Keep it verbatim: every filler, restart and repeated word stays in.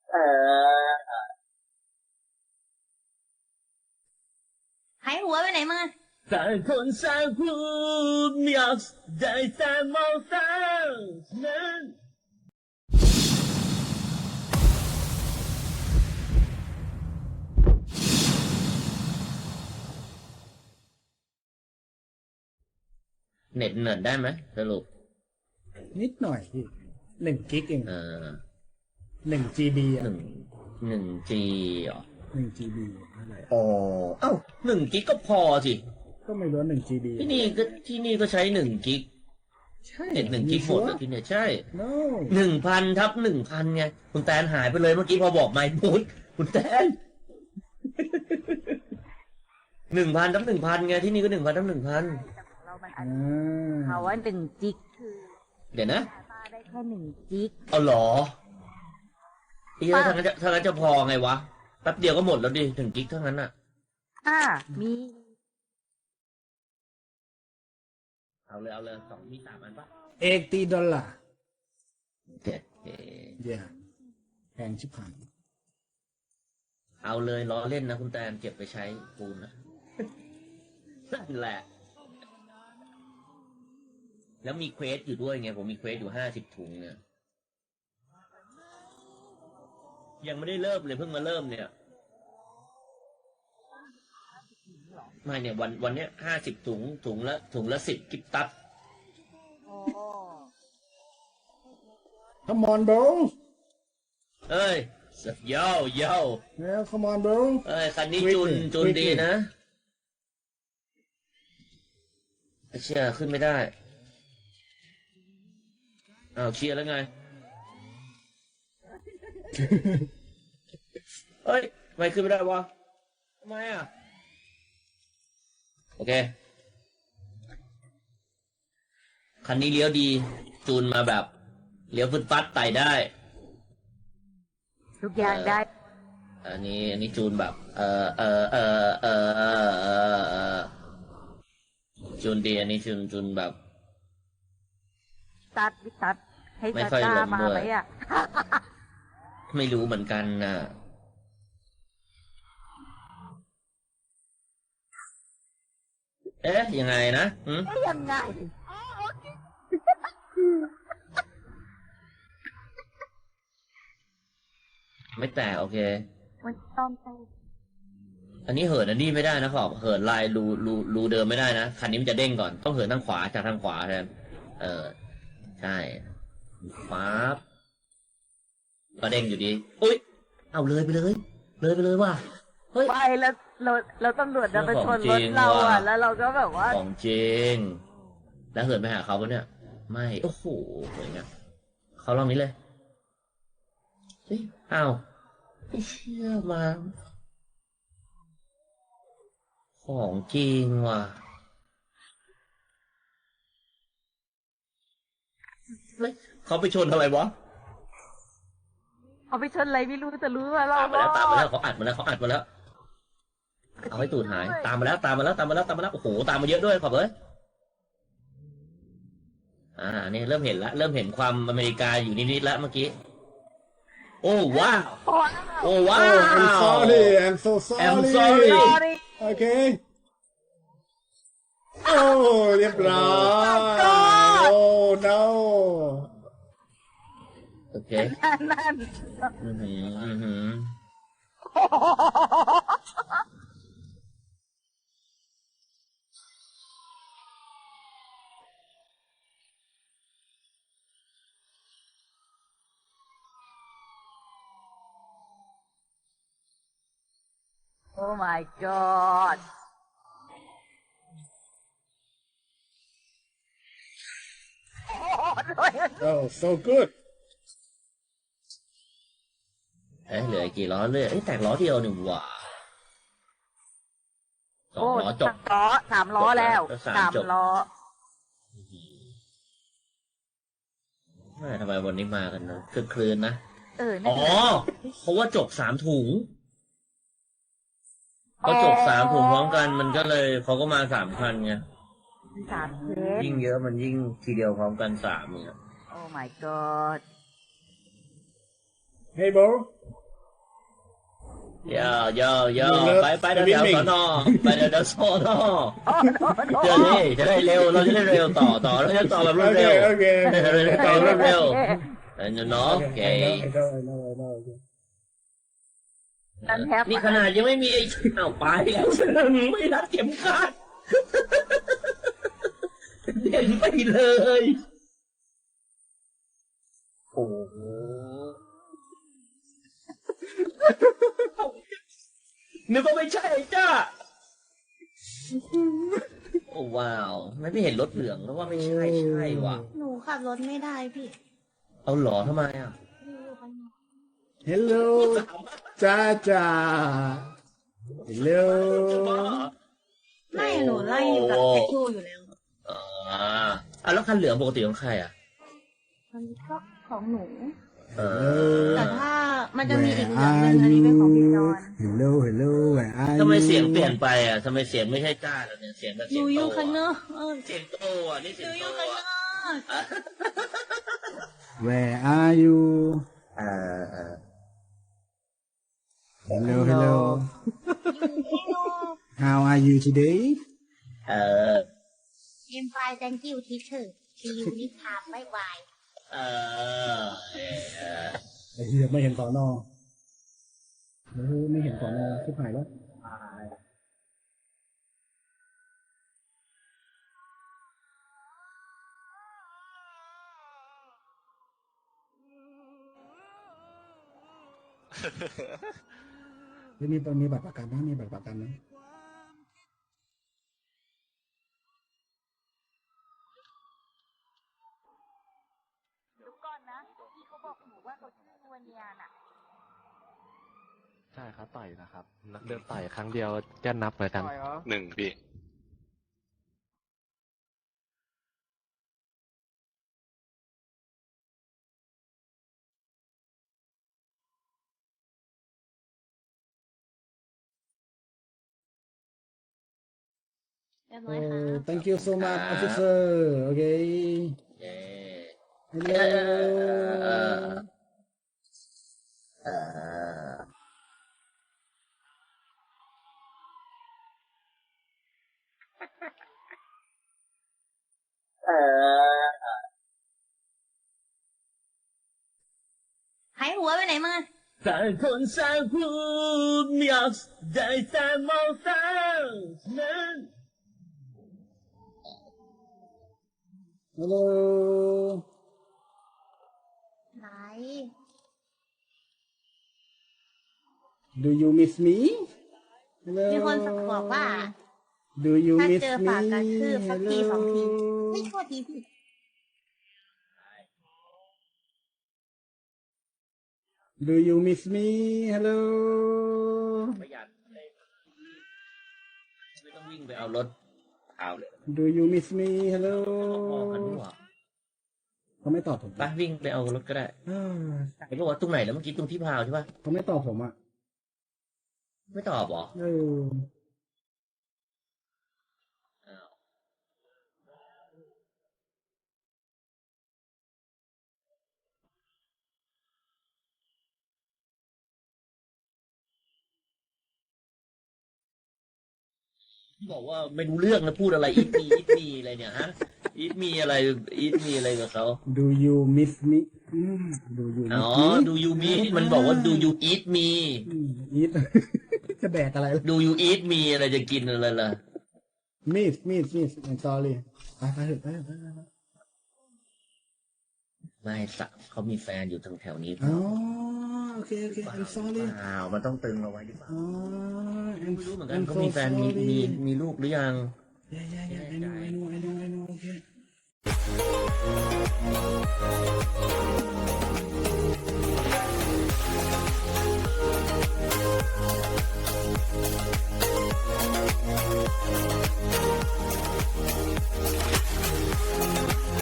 เออหายหัวไปไหนมึงต่างคนต่างพูดไม่ออกได้แต่มองตานั้นเน็ตเนิร์ดได้ไหมสรุปนิดหน่อยพี่หนึ่งกิกเองเออหนึ่งจีบีอ่ะหนึ่งหนึ่งจีเหรอหนึ่งจีบีเท่าไหร่อ๋อเอ้าหนึ่งกิกก็พอสิก็ไม่รู้หนึ่งจีบีที่นี่ก็ที่นี่ก็ใช้หนึ่งกิกใช่เน็ตหนึ่งกิกหมดเลยที่เนี่ยใช่ no หนึ่งพันทับหนึ่งพันไงคุณแตนหายไปเลยเมื่อกี้พอบอกไมค์พูดคุณแตนหนึ่งพันทับหนึ่งพันไงที่นี่ก็หนึ่งพันทับหนึ่งพันเรามันอ่อันาเขาว่าหนึ่งจิกคือเดี๋ยวนะป้าได้แค่หนึ่งจิกเอาเหรอเอ๊ะถ้างั้นจะถ้างั้นจะพอไงวะแป๊บเดียวก็หมดแล้วดิถึงกิกเท่านั้นอ่ะอ่ามีเอาเลยเอาเลยสองมีสามอันปะเอกตีดอลลาร์เจ็ดเอเย่แพงชิบหายเอาเลยล้อเล่นนะคุณแตนเก็บไปใช้ปูนนะนั่นแหละ แล้วมีเควสอยู่ด้วยไงผมมีเควสอยู่ห้าสิบถุงเนี่ยยังไม่ได้เริ่มเลยเพิ่งมาเริ่มเนี่ยไม่เนี่ยวันวันเนี้ยห้าสิบถุงถุงละถุงละสิบกิบตับโอ้ come on bro เอ้ยโย่โย่แล้ว come on bro เอ้ยคันนี้ Quickly จุนจุน Quickly ดีนะเชียร์ขึ้นไม่ได้อ้าวเชียร์แล้วไง เฮ้ยทำไมขึ้นไม่ได้วะทำไมอ่ะโอเคคันนี้เลี้ยวดีจูนมาแบบเลี้ยวฟึดฟัดไต่ได้ทุกอย่างได้อันนี้อันนี้จูนแบบ เออเออเออเออเออเออเออจูนดีอันนี้จูนจูนแบบตัดตัดให้ไม่ตาค่อยตาลงมาด้วยไหมอ่ะไม่รู้เหมือนกันนะเอ๊ะยังไงนะหืมเอ๊ะยังไงไม่แตกโอเคมันต้องใช่อันนี้เหินอันนี้ไม่ได้นะขอบเหินลายรูรูรูเดิมไม่ได้นะคันนี้มันจะเด้งก่อนต้องเหินทางขวาจากทางขวาแทนเออใช่ปั๊บก็เด้งอยู่ดีอุ้ยเอาเลยไปเลย เลยไปเลยว่ะเฮ้ยไปแล้วเราเราตำรวจจะไปชนรถของจริงเราว่ะอ่ะ แล้วเราก็แบบว่าของจริงแล้วเหินไปหาเขาปะเนี่ย ไม่โอ้โหเหมือนกันเขาลองนี้เลยเฮ้ยอ้าวไม่เชื่อมาของจริงว่ะเฮ้ยเขาไปชนอะไรวะเอาไปชนอะไรไม่รู้แต่รู้ว่าเราตามมาแล้วตามมาแล้วเขาอัดมาแล้วเขาอัดมาแล้วเอาให้ตูดหายตามมาแล้วตามมาแล้วตามมาแล้วตามมาแล้วโอ้โหตามมาเยอะด้วยขอบเลยอ่านี่เริ่มเห็นละเริ่มเห็นความอเมริกาอยู่นิดๆแล้วเมื่อกี้โอ้ว้าวโอ้ว้าว oh I'm sorry I'm so sorry I'm sorry sorry okay โอ้เรียบร้อย Oh my god โอ้ no โอเคนั่นอือหืออือหือโอ้ my god oh so good เอ๊ะเหลือกี่ล้อเลยเอ้ยแตกล้อเดียวหนึ่งว่ะสองโอ้ล้อจบสามล้อสามล้อแล้วสามสามจบล้อแม่ทำไมวันนี้มากันนะคือคลืนนะเอออ๋นั่อนแหละเพราะว่าจบสามถุงพอจบสามถุงพร้อมกันมันก็เลยเขาก็มาสามพันไงสามเคสยิ่งเยอะมันยิ่งทีเดียวพร้อมกันสามเนี่ยโอ้ my god hey bro ย่าย่าย่าไปไปแถวแถวสอนอไปแถวแถวสอนอโอ้โหโอ้โหเดี๋ยวนี้จะได้เร็วเราจะได้เร็วต่อต่อเราจะต่อแบบรโอวดเคเร็วโอเคเราจะต่อรวดเร็วโอคเออเนาะโอเค I know I know I know I know นั่นแฮปนี่ขนาดยังไม่มีไอ้อ้าวไปแล้วไม่รัดเข็มขัดเด่นไปเลยโอ้โหนึกว่าไม่ใช่จ้าโอ้ว้าวไม่ไม่เห็นรถเหลืองแล้วว่าไม่ใช่ใช่ว่ะหนูขับรถไม่ได้พี่เอาหรอทำไมอ่ะหนูอยู่ข้างนอก Hello จ้าจ้า Hello ไม่หนูไล่อยู่กับแท็กทูอยู่แล้วอ่าอ่ะแล้วคันเหลืองปกติของใครอ่ะมันก็ของหนูเออแต่ถ้ามันจะมีอีกเหลืองหนึงอันนี้เป็นของพี่จอน Hello Hello Where are you ทำไมเสียงเปลี่ยนไปอ่ะทำไมเสียงไม่ใช่จ้าแล้วเนี่ยเสียงแบบหเสียนูงอโตยู่ข้างนอกเออเสียงโตอ่ะนี่หเสียนูงอโตยู่ข้างนอ่ะอก Where are you เออเออ Hello Hello อยู่ข้างนอก How are you today เออเอ็มไฟ thank you teacher see you next time bye bye เออเออไอ้เหี้ยไม่เห็นสอนอเออไม่เห็นสอนอชิบหายแล้ว ไม่มีมีบัตรประกันนะมีบัตรประกันนะเดี๋ยวก่อนนะที่เขาบอกหนูว่าเขาชื่อวาเนียน่ะใช่ครับต่อยนะครับนักเดินต่อยครั้งเดียวจะนับเหมือนกันหนึ่งพี่เรียบโอ้ร้อยค่ะ thank you so much officer โอเคเย้ Hello เออเออเออหายหัวไปไหนมาต่างคนต่างพูดไม่อยากได้แต่มองตานั้น Hello ไหน Do you miss me Hello มีคนบอกว่า Do you ถ้า miss เจอ me ฝากกระทืบสักทีสองที Hello ไม่โทษทีพี่ Do you miss me Hello ประหยัดเลยไม่ต้องวิ่งไปเอารถเอาเลย Do you miss me Hello มองกันด้วยเขาไม่ตอบผมไปวิ่งไปเอารถก็ได้เออเห็นบอกว่าตรงไหนแล้วเมื่อกี้ตรงที่พาวใช่ปะเขาไม่ตอบผมอ่ะไม่ตอบเหรอเอออ้าวบอกว่าไม่รู้เรื่องนะพูดอะไรอีทมีอีทมีอะไรเนี่ยฮะอีทมีอะไรอีทมีอะไรกับเขา Do you miss me อืม Do you อ๋ miss อ me do you meet มันบอกว่า do you eat me อืม eat จะแดกอะไรล่ะ do you eat me อะไรจะกินอะไรล่ะ miss miss miss I'm sorry ไปไปเถอะไปเถอะไปเถอะไม่สักเขามีแฟนอยู่ทางแถวนี้อ๋อโอเคโอเค I'm sorry เปล่ามันต้องตึงเอาไว้หรือเปล่าอ๋อ I'm ไม่รู้เหมือนกัน I'm เขา so มีแฟนมี sorry มีมีลูกหรือยัง yeah yeah yeah I know I know I know I know okay